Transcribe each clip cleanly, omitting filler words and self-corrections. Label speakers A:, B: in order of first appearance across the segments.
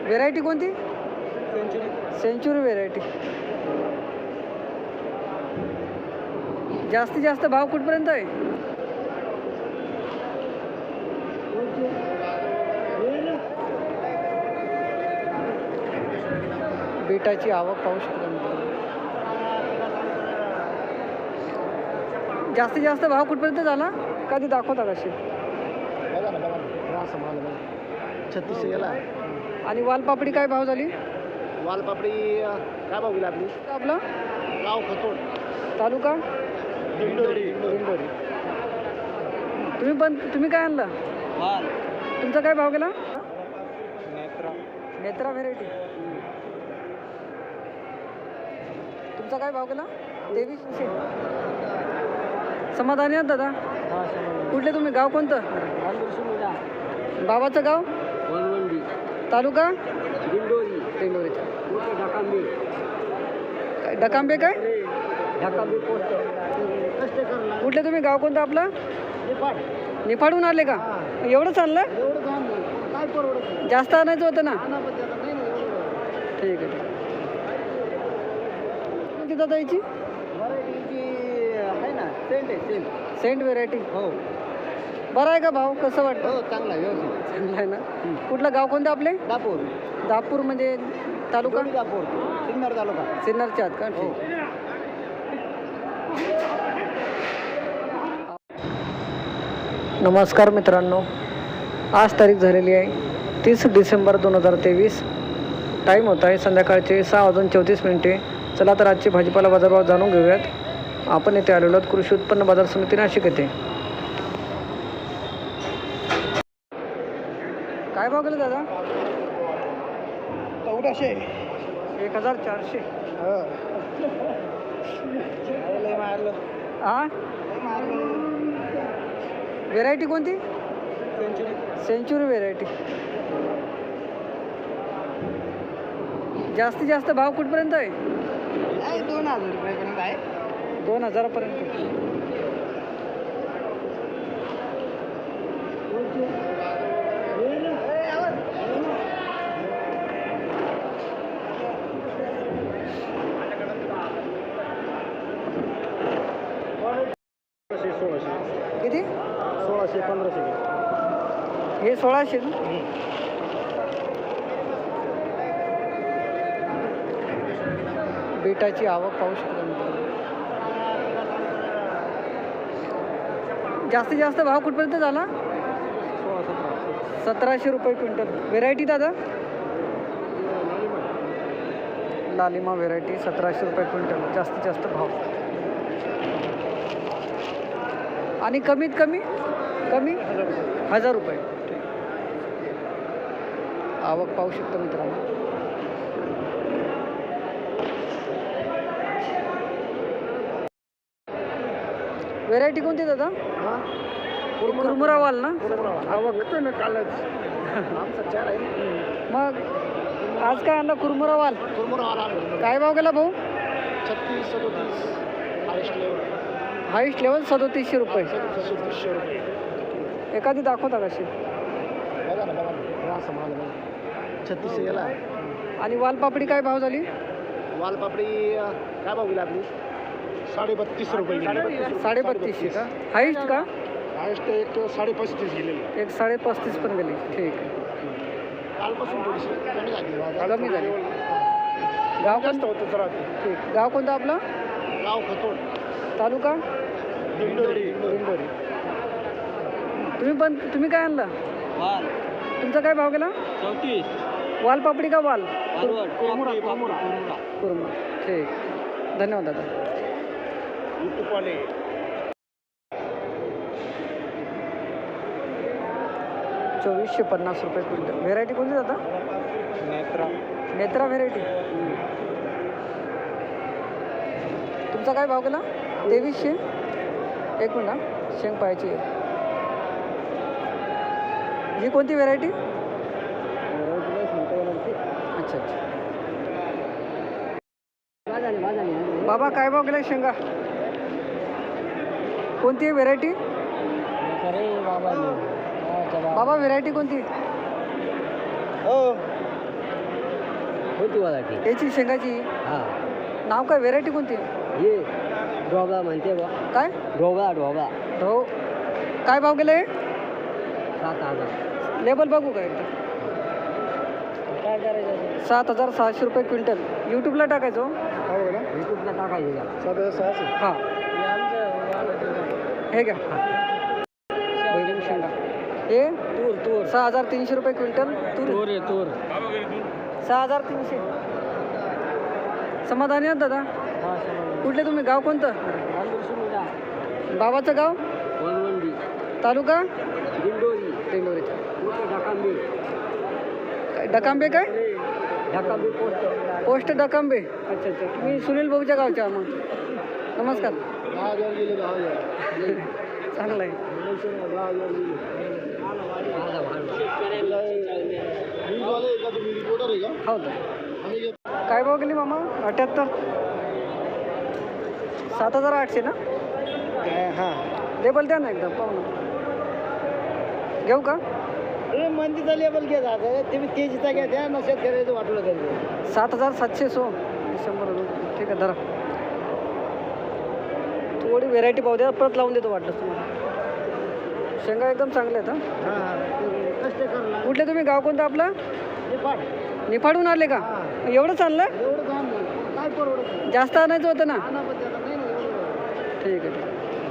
A: Variety कोणती? Century variety. जास्तीत जास्त भाव कुठपर्यंत आहे? बीटाची आवक पाहू शकता मित्रांनो. जास्तीत जास्त भाव कुठपर्यंत झाला? कधी दाखवता कशी?
B: 36 गेला.
A: आणि वालपापडी काय भाव झाली?
B: वालपापडी काय भाव गेला आपली?
A: आपला
B: गाव खतोड,
A: तालुका
B: दिंडोरी.
A: दिंडोरी. तुम्ही काय आणला?
B: वाल
A: तुमचा काय भाव गेला?
B: नेत्रा.
A: नेत्रा व्हेरायटी. तुमचा काय भाव गेला? 2300. समाधानी आहात दादा? कुठले तुम्ही? गाव कोणतं? बाबाचं गाव? तालुका
B: दिंडोरी.
A: दिंडोरीचा.
B: ढाकांबे.
A: डकांबे काय?
B: ढाकांबे पोस्ट. कष्ट करला.
A: कुठले तुम्ही? गाव कोणतं आपलं?
B: निफाड.
A: निफाडून आले का? एवढं चाललं?
B: एवढं काम नाही. काय परवडत?
A: जास्त आणायचं होतं ना.
B: अनापत्ती आता नाही ना एवढं.
A: ठीक आहे. कोणती दादा याची?
B: व्हरायटीची आहे ना, सेंट आहे सेंट.
A: Saint variety.
B: हो
A: बरं आहे का भाव? कसं वाटतं?
B: हो चांगला आहे, व्यवस्थित.
A: चांगलं आहे ना. कुठलं गाव कोणतं आपले?
B: दापूर.
A: दापूर म्हणजे तालुका?
B: दापूर, सिन्नर तालुका.
A: सिन्नरच्या आत का?
B: हो.
A: ठीक. नमस्कार मित्रांनो, आज तारीख झालेली आहे 30 डिसेंबर 2023. टाईम होत आहे संध्याकाळचे 6:34. चला तर आजचे भाजीपाला बाजारभाव जाणून घेऊयात. आपण येथे आलेलो आहोत कृषी उत्पन्न बाजार समिती नाशिक येथे. काय भाव गेले दादा?
B: 1400.
A: 1400.
B: लय मारलं.
A: हा, व्हेरायटी कोणती?
B: सेंचुरी.
A: Century variety. जास्तीत जास्त भाव कुठपर्यंत आहे?
B: 2000 रुपयापर्यंत आहे.
A: 2000 पर्यंत. किती?
B: 1600 1500.
A: हे 1600 ना? बीटाची आवक पाहू शकता मित्रांनो. जास्तीत जास्त भाव कुठपर्यंत झाला? 1700 रुपये क्विंटल. व्हेरायटी दादा? लालिमा व्हेरायटी 1700 रुपये क्विंटल. जास्तीत जास्त भाव. आणि कमीत कमी 1000 रुपये. आवक पाहू शकता मित्रांनो. व्हेरायटी कोणती दादा? कुरमुरा वाल ना?
B: आवक ना कालच आमचा 4 आहे.
A: मग आज काय आणला? कुरमुरा वाल. काय भाव गेला भाऊ?
B: 36 37. Highest level.
A: हाईस्ट लेवल 3700 रुपये.
B: 3700 रुपये.
A: एखादी दाखवता कशी?
B: बघा ना बघा ना, असं माल बघा. 36 गेला.
A: आणि वालपापडी काय भाव झाली?
B: वालपापडी काय भाव गेला आपली? 32.5 रुपये.
A: 3250 का? हाईस्ट का?
B: हायस्ट एक 35.5 गेलेली.
A: एक 35.5 पण गेली. ठीक आहे.
B: कालपासून थोडीशी कमी झाली.
A: कमी झाली. गाव
B: जास्त
A: कोणतं?
B: होतं जरा ते.
A: ठीक. गाव कोणतं आपलं?
B: गाव खतोड,
A: तालुका
B: दिंडोरी.
A: दिंडोरी. तुम्ही काय आणला?
B: वाल
A: तुमचा काय भाव गेला?
B: 34.
A: वालपापडी का वाल?
B: कुरमुरा.
A: कुरमा. ठीक. धन्यवाद दादा.
B: युट्यूबवाले
A: 2450 रुपये क्विंटल. व्हेरायटी कोणती दादा?
B: नेत्रा.
A: नेत्रा व्हेरायटी. तुमचा काय भाव गेला? 2300. एक मिनिट हा, शेंग पाहायची आहे. ही कोणती व्हेरायटी? अच्छा अच्छा. बाबा काय भाव गेला शेंगा? कोणती आहे व्हेरायटी? बाबा व्हेरायटी कोणती?
C: होती वालाची
A: याची शेंगाची
C: हां
A: नाव काय, व्हेरायटी कोणती?
C: हे ढोबळा म्हणते बा
A: काय
C: ढोबळा ढोबळा
A: हो, काय भाव गेले?
C: 7,000
A: लेबल बघू काय एकदा.
C: काय करायचं
A: 7,600 रुपये क्विंटल. यूट्यूबला टाकायचो.
B: काय बघा ना
C: युट्यूबला टाकायचं त्याला
B: 7,600.
A: हां हे घ्या बैगन शेंगा. हे
C: तूर
A: 6,300 रुपये क्विंटल. तूर
C: आहे तूर
A: 6,300. समाधानी आहात दादा? कुठले तुम्ही, गाव कोणतं? बाबाचं गाव?
C: वनवंडी
A: तालुका
C: दिंडोरी
A: दिंडोरीचा.
C: ढकांबी
A: डकांबे काय?
C: ढकांबी
A: पोस्ट डकांबे. अच्छा अच्छा, तुम्ही सुनील भाऊच्या गावच्या. मग नमस्कार.
B: 10,000 गेले 10,000.
A: चांगलं आहे.
B: 10,000 गेले. न्यूजवाले आहे का तुम्ही, रिपोर्टर आहे का?
A: हो तर
B: आम्ही घेतो.
A: काय भाव गेली मामा? 78. 7,800 ना?
B: हां
A: लेबल द्या ना एकदा, पाहू ना. घेऊ का?
C: हे मंदीचा लेबल घ्या जातं तुम्ही तेजीचा घ्या द्या नसेल करायचं वाटलं तरी
A: 7,700 डिसेंबर. ठीक आहे धरा. थोडी व्हेरायटी पाहू द्या, परत लावून देतो वाटलं तुम्हाला. शेंगा एकदम चांगल्या आहेत. हां
C: हां कष्ट करला
A: कुठले तुम्ही, गाव कोणतं आपलं?
C: निफाड
A: निफाडून आले का? एवढं चाललं?
C: एवढं काम नाही काय परवडत
A: जास्त आणायचं होतं ना.
C: नाही पण त्याला नाही ना एवढं
A: ठीक आहे ठीक आहे.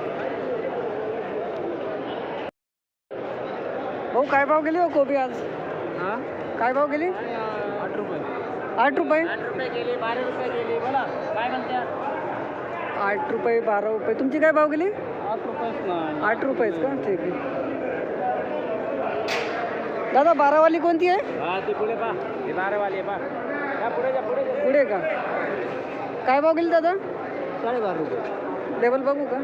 A: भाऊ काय भाव गेली हो कोबी आज?
C: हां
A: काय भाव गेली?
C: 8 रुपये
A: 8 रुपये.
C: 8 रुपये गेली 12 रुपये गेली बोला काय म्हणत्या
A: 8 रुपये 12 रुपये. तुमची काय भाव गेली?
C: 8 रुपयेच ना
A: 8 रुपयेच का? ठीक आहे. दादा 12वाली कोणती आहे?
C: हां ते पुढे पा ते 12 वाले पा या पुढे जा पुढे जा
A: पुढे का? काय भाव गेली दादा?
C: 12.5 रुपये
A: लेबल बघू का?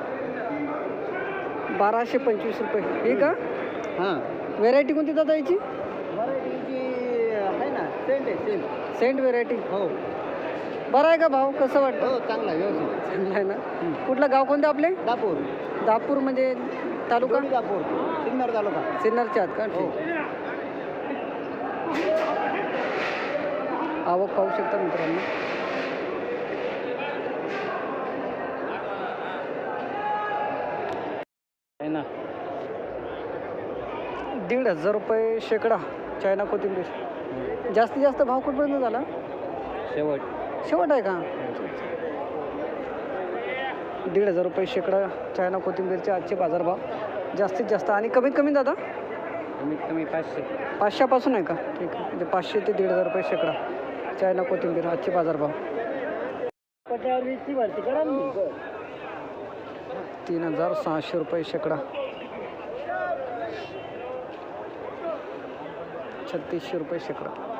A: 1225 रुपये. ही का?
C: हां
A: व्हेरायटी कोणती दादा याची?
C: व्हरायटीची आहे ना सेंट आहे सेंट
A: सेंट व्हेरायटी.
C: हो
A: बरं आहे का भाव? कसं वाटतं?
C: हो चांगला व्यवस्थित
A: चांगलं आहे ना. कुठलं गाव कोणतं आपले?
C: दापूर
A: दापूर म्हणजे तालुका?
C: दापूर सिन्नर तालुका
A: सिन्नरच्या आत का?
C: हो
A: ठीक. आवक पाहू शकता मित्रांनो.
C: आहे ना
A: 1,500 रुपये शेकडा चायना कोथिंबीर. जास्तीत जास्त भाव कुठपर्यंत झाला?
C: शेवट
A: शेवट आहे का? 1,500 रुपये शेकडा चायना कोथिंबीरचे आजचे बाजारभाव जास्तीत जास्त. आणि कमीत कमी दादा
C: कमीत कमी 500
A: 500पासून आहे का? ठीक आहे. म्हणजे 500 ते 1,500 रुपये शेकडा चायना कोथिंबीर आजचे बाजारभाव.
C: पट्यावरची भरती करा ना
A: 3,600 रुपये शेकडा. 3,600 रुपये शेकडा.